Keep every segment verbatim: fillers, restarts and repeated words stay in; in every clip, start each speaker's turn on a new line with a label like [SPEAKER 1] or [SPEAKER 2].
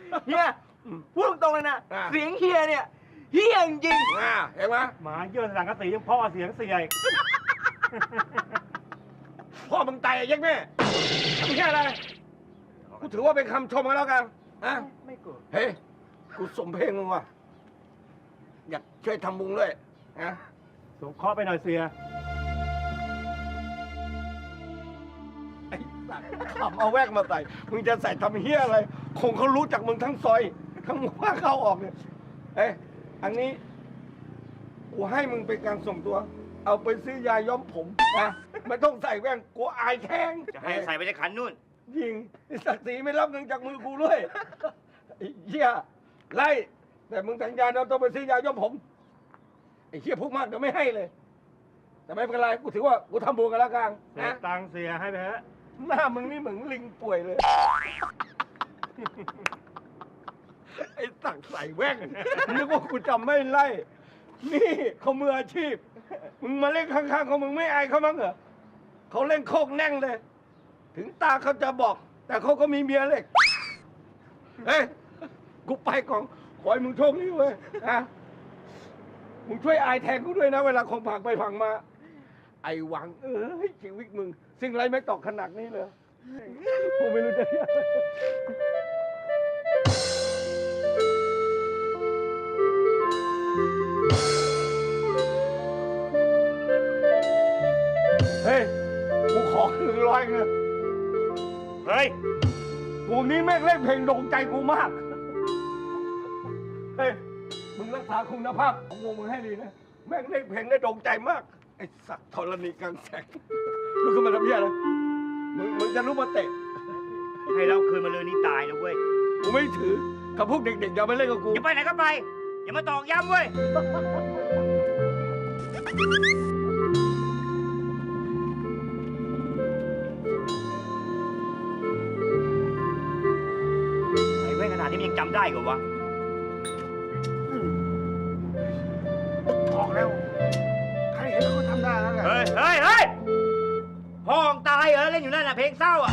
[SPEAKER 1] เฮียพูดตรงๆเลยนะเสียงเฮียเนี่ยเฮียจริง
[SPEAKER 2] อ่าเห็นไหม
[SPEAKER 3] หมาเยื่อสังกะสียังพ่อเสียงเสียอีก
[SPEAKER 2] พ่อมึงตายไอ้ยักษ์แม่ทำแค่อะไรกูถือว่าเป็นคำชมกันแล้วกันนะ
[SPEAKER 1] ไม่โกรธ
[SPEAKER 2] เฮ้ยกูสมเพลงมึงว่ะอยากช่วยทำบุญด้วยนะ
[SPEAKER 3] สงเคราะห์ไปหน่อยเสีย
[SPEAKER 2] ไอ้สัตว์ขำเอาแวกมาใส่มึงจะใส่ทำเฮี้ยอะไรคงเขารู้จักมึงทั้งซอยทั้งว่าเข้าออกเนี่ยเอ้ยอันนี้กูให้มึงเป็นการส่งตัว เอาไปซื้อยาย้อมผมนะไม่ต้องใส่แว่นกูอายแข้ง
[SPEAKER 1] จะให้ใส่ไปในขันนู่น
[SPEAKER 2] ยิงศักดิ์ศรีไม่รับเงินจากมือกูด้วยไอ้เหี้ยไล่แต่มึงสัญญาเราต้องไปซื้อยาย้อมผมไอ้เหี้ยพูดมากเดี๋ยวไม่ให้เลย แต่ไม่เป็นไรกูถือว่ากูทำบุญกันแล้วกัน
[SPEAKER 3] เสีย
[SPEAKER 2] นะ
[SPEAKER 3] ตังค์เสียให้ไปฮะ
[SPEAKER 2] หน้ามึงนี่เหมือนลิงป่วยเลยไอ้สักใส่แว่นนึกว่ากูจำไม่ไล่นี่เขามืออาชีพมึงมาเล่นข้างๆเขามึงไม่อายเขามั้งเหรอเขาเล่นโคกแน่งเลย ถึงตาเขาจะบอก แต่เขาก็มีเมียเล็กเฮ้ยกูไปก่อนขอให้มึงโชคดีเว้ยนะมึงช่วยอายแทนกูด้วยนะเวลาของผักไปผังมา ไอ้หวังเอ้ยชีวิตมึงสิ่งไรไม่ตอกขนาดนี้เลยกูไม่รู้จะเรียกเฮ้ยกูขอหนึ่งร้อยเงิน
[SPEAKER 3] เฮ้ย
[SPEAKER 2] วงนี้แม่งเล่นเพลงโด่งใจกูมาก เฮ้ย มึงรักษาคุณภาพของวงมึงให้ดีนะ แม่งเล่นเพลงได้โด่งใจมาก ไอ้สัตว์ธรณีกลางแสงลูกขึ้นมาทำเพี้ยอะไรมึงมึงจะรู้มาเตะ
[SPEAKER 1] ให้เราคืนมาเลยนี่ตายนะเว้ย
[SPEAKER 2] กูไม่ถือ กับพวกเด็กๆอย่าไปเล่นกับกู
[SPEAKER 1] อย่าไปไหนก็ไป อย่ามาตอกย้ำเว้ยไอ้เว้ยขนาดนี้มันยังจำได้กว่าวะ
[SPEAKER 2] บอกแล้ว ใครเห็นแล้วก็ทำได้แล้วแหละ
[SPEAKER 1] เฮ้ยเฮ้ยเฮ้ยพ่อตายเหรอเล่นอยู่นั่นน่ะเพลงเศร้าอ่ะ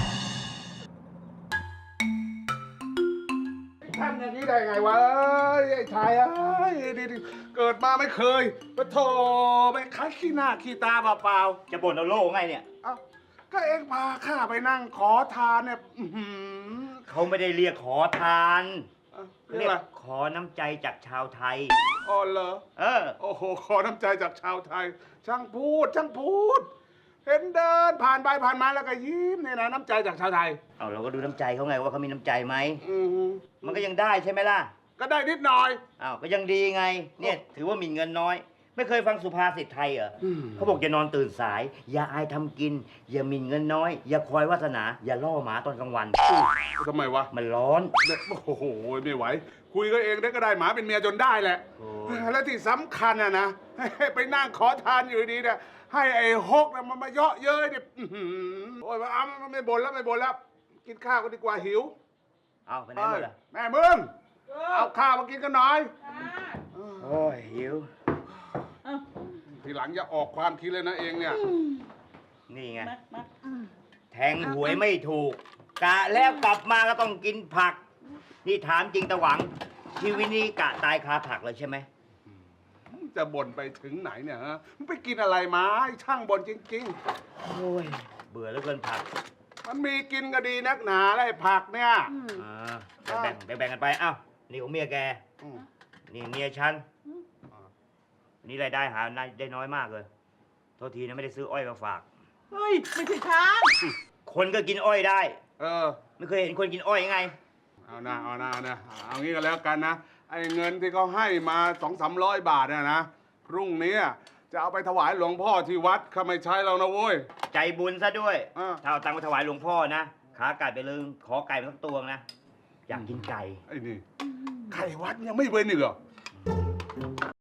[SPEAKER 2] ทำอย่างนี้ได้ไงวะไอ้ชายเอ้ยดิเกิดมาไม่เคยปะโถไปคัดขี้หน้าขี้ตาเปล่า
[SPEAKER 1] จะบ่นเอาโล่ไงเนี่ย
[SPEAKER 2] ๆเอ้าก็เอ็งพาข้าไปนั่งขอทานเนี่ยอื้อหือ
[SPEAKER 1] เขาไม่ได้เรียกขอทาน
[SPEAKER 2] เอ้า
[SPEAKER 1] เรี
[SPEAKER 2] เรี
[SPEAKER 1] ย
[SPEAKER 2] ยก
[SPEAKER 1] ก
[SPEAKER 2] อะไร
[SPEAKER 1] ขอน้ำใจจากชาวไทย
[SPEAKER 2] อ๋อเหรอ
[SPEAKER 1] เออ
[SPEAKER 2] โอ้โหขอน้ำใจจากชาวไทย ช่างพูดช่างพูด เห็นเดินผ่านไปผ่านมาแล้วก็ยิ้มเนี่ยนะน้ำใจจากชาวไทย
[SPEAKER 1] เอาเราก็ดูน้ำใจเขาไงว่าเขามีน้ำใจไหม
[SPEAKER 2] อือหือ
[SPEAKER 1] มันก็ยังได้ใช่ไหมล่ะ
[SPEAKER 2] ก็ได้นิดหน่อย
[SPEAKER 1] อ้าวก็ยังดีไง เนี่ยถือว่ามีเงินน้อย ไม่เคยฟังสุภาษิตไทยเหรอ
[SPEAKER 2] อืม
[SPEAKER 1] เขาบอกอย่านอนตื่นสาย อย่าอายทำกิน อย่าหมิ่นเงินน้อย อย่าคอยวาสนา อย่าล่อหมาตอนกลางวัน
[SPEAKER 2] ทำไมวะ
[SPEAKER 1] มันร้อน
[SPEAKER 2] เนี่ยโอ้โหไม่ไหว คุยก็เองได้ก็ได้หมาเป็นเมียจนได้แหละ
[SPEAKER 1] โอ้
[SPEAKER 2] และที่สำคัญอะนะให้ไปนั่งขอทานอยู่ดีเนี่ยให้ไอ้ฮกนะมันมาเยาะเย้ยเนี่ยอื้อหือโอ้ยอ้ามันไม่บ่นแล้วไม่บ่นแล้ว กินข้าวกันดีกว่าหิว
[SPEAKER 1] เอาไปไหนหมดล่ะ
[SPEAKER 2] แม่มึงเอาข้าวมากินกันหน่อย
[SPEAKER 1] โอ้ยหิว
[SPEAKER 2] ทีหลังอย่าออกความคิดเลยนะเองเนี่ย
[SPEAKER 1] นี่ไง แทงหวยไม่ถูก กะแล้วกลับมาก็ต้องกินผัก นี่ถามจริงตะหวัง ชีวิตนี้กะตายคาผักเลยใช่ไหม
[SPEAKER 2] จะบ่นไปถึงไหนเนี่ยฮะมึงไปกินอะไรมาไอ้ช่างบ่นจริง
[SPEAKER 1] โอ้ย เบื่อเหลือเกินผัก
[SPEAKER 2] ๆ มันมีกินก็ดีนักหนาแล้วไอ้ผักเนี่ย
[SPEAKER 1] อ่าแบ่งแบ่งแบ่งกันไป อ้าว นี่ของเมียแก
[SPEAKER 2] อืม
[SPEAKER 1] นี่เมียฉัน นี่รายได้หาได้น้อยมากเลย โทษทีนะไม่ได้ซื้ออ้อยมาฝาก
[SPEAKER 4] เฮ้ย ไม่ใช่ช้าง
[SPEAKER 1] คนก็กินอ้อยได้
[SPEAKER 2] เออ
[SPEAKER 1] ไม่เคยเห็นคนกินอ้อยยังไง
[SPEAKER 2] เอานะเอานะเอานะเอางี้ก็แล้วกันนะ ไอ้เงินที่เขาให้มาสองสามร้อยบาทเนี่ยนะ พรุ่งนี้จะเอาไปถวายหลวงพ่อที่วัดข้าไม่ใช้เรานะโว้ย
[SPEAKER 1] ใจบุญซะด้วย
[SPEAKER 2] อ่า
[SPEAKER 1] ถ้าเอาตังค์ไปถวายหลวงพ่อนะ ขาไก่ไปเลยขอไก่มาสักตัวนะ อยากกินไก่
[SPEAKER 2] ไอ้นี่ไข่วัดยังไม่เว้นอีกเหรอ